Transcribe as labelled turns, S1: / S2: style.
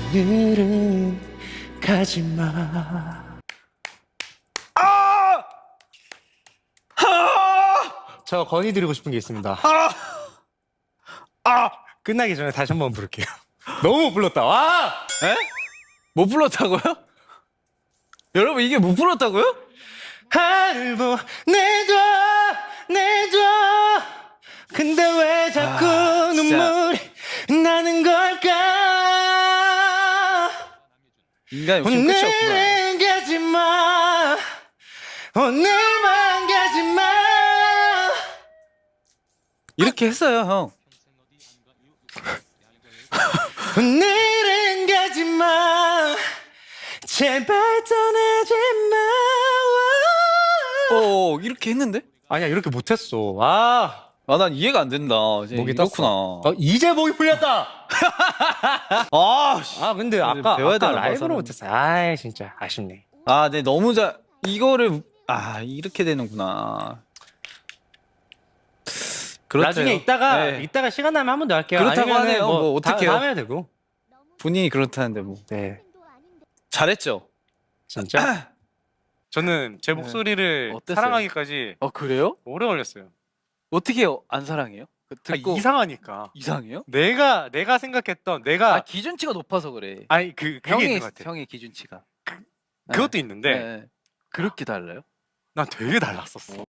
S1: 오늘은 가지마. 저 건의드리고 싶은 게 있습니다. 끝나기 전에 다시 한번 부를게요. 너무 못 불렀다. 와!
S2: 에? 못 불렀다고요? 여러분 이게 못 불렀다고요?
S1: 하늘 보내줘 내줘. 근데 왜 자꾸
S2: 진짜.
S1: 눈물이 나는 걸까?
S2: 인간 욕심 끝이 없구나.
S1: 오늘은 가지마. 오늘만 가지마.
S2: 이렇게 했어요 형.
S1: 오늘은 가지마. 제발 떠나지 마.
S2: 이렇게 했는데?
S1: 아니야 이렇게 못했어. 아
S2: 난 이해가 안 된다. 이제
S1: 목이
S2: 이렇구나.
S1: 이제 목이 풀렸다.
S2: 씨.
S1: 근데
S2: 이제 배워야
S1: 아까
S2: 되나 봐,
S1: 라이브로
S2: 사람은.
S1: 못했어. 아 진짜 아쉽네.
S2: 네 너무 이거를 이렇게 되는구나. 그렇대요.
S1: 나중에 이따가
S2: 네.
S1: 이따가 시간 나면 한 번 더 할게요.
S2: 그렇다고
S1: 아니면은
S2: 하네요. 뭐 어떡해요.
S1: 다음에 해도 되고.
S2: 본인이 그렇다는데 뭐
S1: 네
S2: 잘했죠.
S1: 진짜.
S3: 저는 제 목소리를
S2: 어땠어요?
S3: 사랑하기까지
S2: 그래요?
S3: 오래 걸렸어요.
S2: 어떻게 안 사랑해요?
S3: 이상하니까.
S2: 이상해요?
S3: 내가 생각했던 내가
S2: 기준치가 높아서 그래.
S3: 아니 그게 있는 것 같아.
S2: 형의 기준치가.
S3: 그것도 있는데
S2: 네. 그렇게 달라요?
S3: 난 되게 달랐었어.